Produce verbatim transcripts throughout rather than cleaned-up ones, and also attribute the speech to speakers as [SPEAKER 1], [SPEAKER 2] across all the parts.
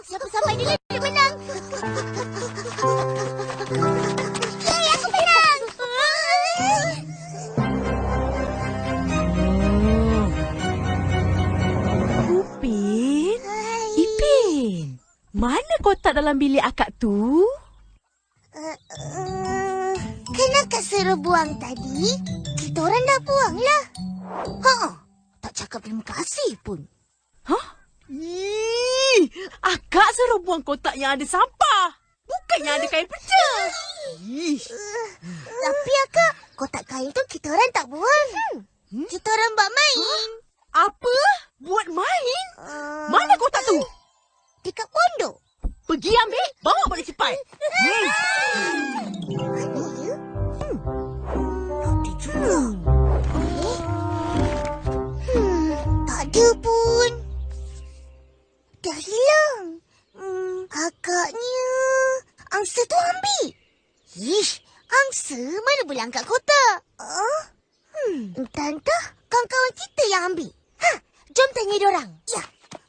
[SPEAKER 1] Siapa sampai dulu dia menang. Yeay, aku menang.
[SPEAKER 2] Upin, Ipin, mana kotak dalam bilik akak tu?
[SPEAKER 1] Uh, uh, kan akak suruh buang tadi. Kita orang dah buang lah. Ha, tak cakap terima kasih pun.
[SPEAKER 2] Hah? Ih, akak suruh buang kotak yang ada sampah. Bukan yang ada kain perca. Ih.
[SPEAKER 1] Uh, tapi akak, kotak kain tu kita orang tak buang. Hmm? Kita orang buat main.
[SPEAKER 2] Huh? Apa? Buat main?
[SPEAKER 1] Uh,
[SPEAKER 2] Mana kotak tu?
[SPEAKER 1] Dekat pondok.
[SPEAKER 2] Pergi ambil, bawa balik cepat. Hmm.
[SPEAKER 1] Mana ya? Hmm. Tak ada juga. Hmm, tak ada pun. Dah hilang. Hmm, agaknya angsa tu ambil. Ish, angsa mana boleh angkat kotak? Uh, hmm, entah-entah kawan-kawan kita yang ambil. Ha, jom tanya diorang. Ya.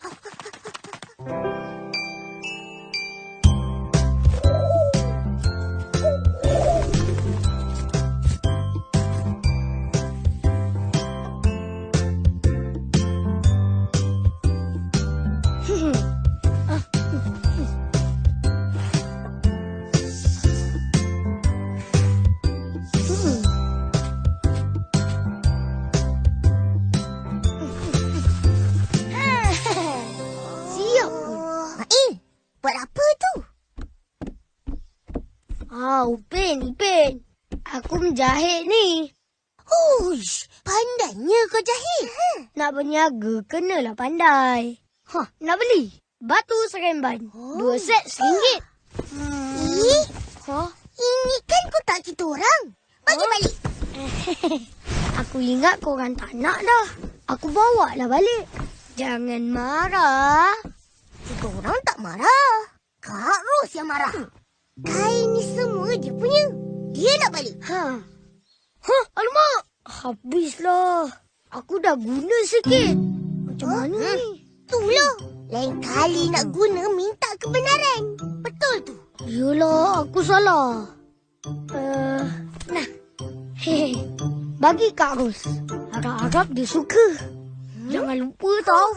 [SPEAKER 3] Ah, Upin, Upin. Aku menjahit ni.
[SPEAKER 1] Huish, pandainya kau jahit.
[SPEAKER 3] Nak berniaga, kenalah pandai. Hah, nak beli? Batu seremban.
[SPEAKER 1] Oh.
[SPEAKER 3] Dua set seringgit.
[SPEAKER 1] Hmm. Eh,
[SPEAKER 3] Hah?
[SPEAKER 1] ini kan kotak kita orang. Bagi
[SPEAKER 3] Oh.
[SPEAKER 1] balik.
[SPEAKER 3] Aku ingat korang tak nak dah. Aku bawa lah balik. Jangan marah.
[SPEAKER 1] Kita orang tak marah. Kak Ros yang marah. Kain ni semua dia punya. Dia nak balik.
[SPEAKER 3] Ha. Hah, alamak. Habislah. Aku dah guna sikit. Macam mana
[SPEAKER 1] Hmm.
[SPEAKER 3] ni?
[SPEAKER 1] Itulah. Lain kali nak guna minta kebenaran. Betul tu.
[SPEAKER 3] Yelah, aku salah. Uh, nah. Hehe. Bagi Kak Ros. Harap-harap dia suka. Hmm? Jangan lupa tau.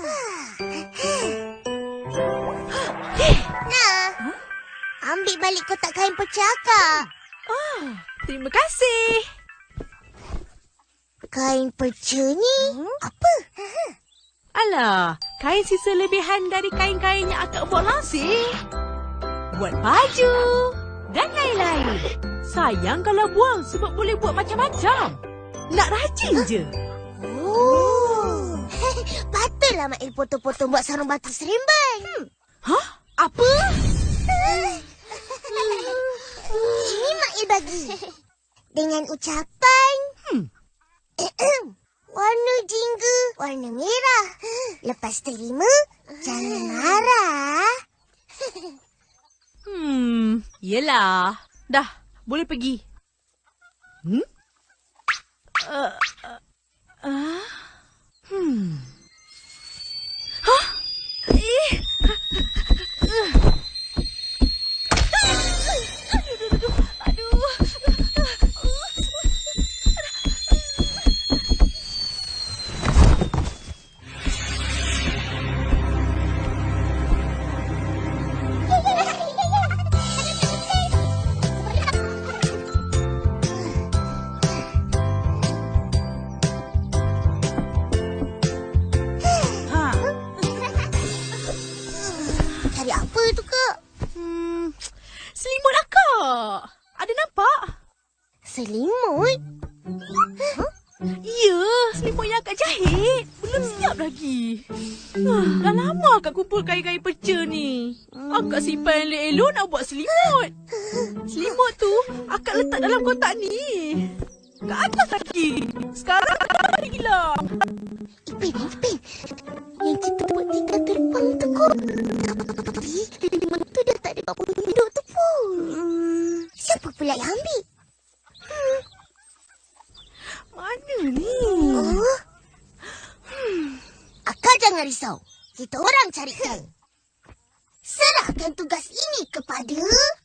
[SPEAKER 1] Nah. Ambil balik kotak kain pecah, Kak.
[SPEAKER 2] Ah, terima kasih.
[SPEAKER 1] Kain perca ni hmm? apa?
[SPEAKER 2] Alah, kain sisa lebihan dari kain-kain yang akak buat langsir. Buat baju dan lain-lain. Sayang kalau buang sebab boleh buat macam-macam. Nak rajin je.
[SPEAKER 1] Oh. Patutlah Mak Il potong-potong buat sarung batu seremban. Hmm.
[SPEAKER 2] Hah? Apa?
[SPEAKER 1] Ini Mak Il bagi. Dengan ucapan...
[SPEAKER 2] Hmm.
[SPEAKER 1] Warna jingga, warna merah. Lepas terima, jangan marah.
[SPEAKER 2] Hmm, yelah. Dah, boleh pergi. Hmm? Uh, uh, uh, hmm. Hah? Eh. Uh. Aduh.
[SPEAKER 1] Cari apa tu, Kak?
[SPEAKER 2] Hmm, selimut akak. Ada nampak?
[SPEAKER 1] Selimut?
[SPEAKER 2] Ya, selimut yang akak jahit. Belum siap lagi. Ah, dah lama akak kumpul kain-kain perca ni. Akak simpan elok-elok nak buat selimut. Selimut tu akak letak dalam kotak ni. Kat atas lagi. Sekarang akak hilang.
[SPEAKER 1] Ipin, Ipin. Yang kita buat tinggal terbang tu kok. Tapi selimut tu dah tak ada kat pondok tu pun. Hmm, siapa pula yang ambil? Hmm.
[SPEAKER 2] Mana ni?
[SPEAKER 1] Oh. Hmm. Akak jangan risau. Kita orang carikan. Serahkan tugas ini kepada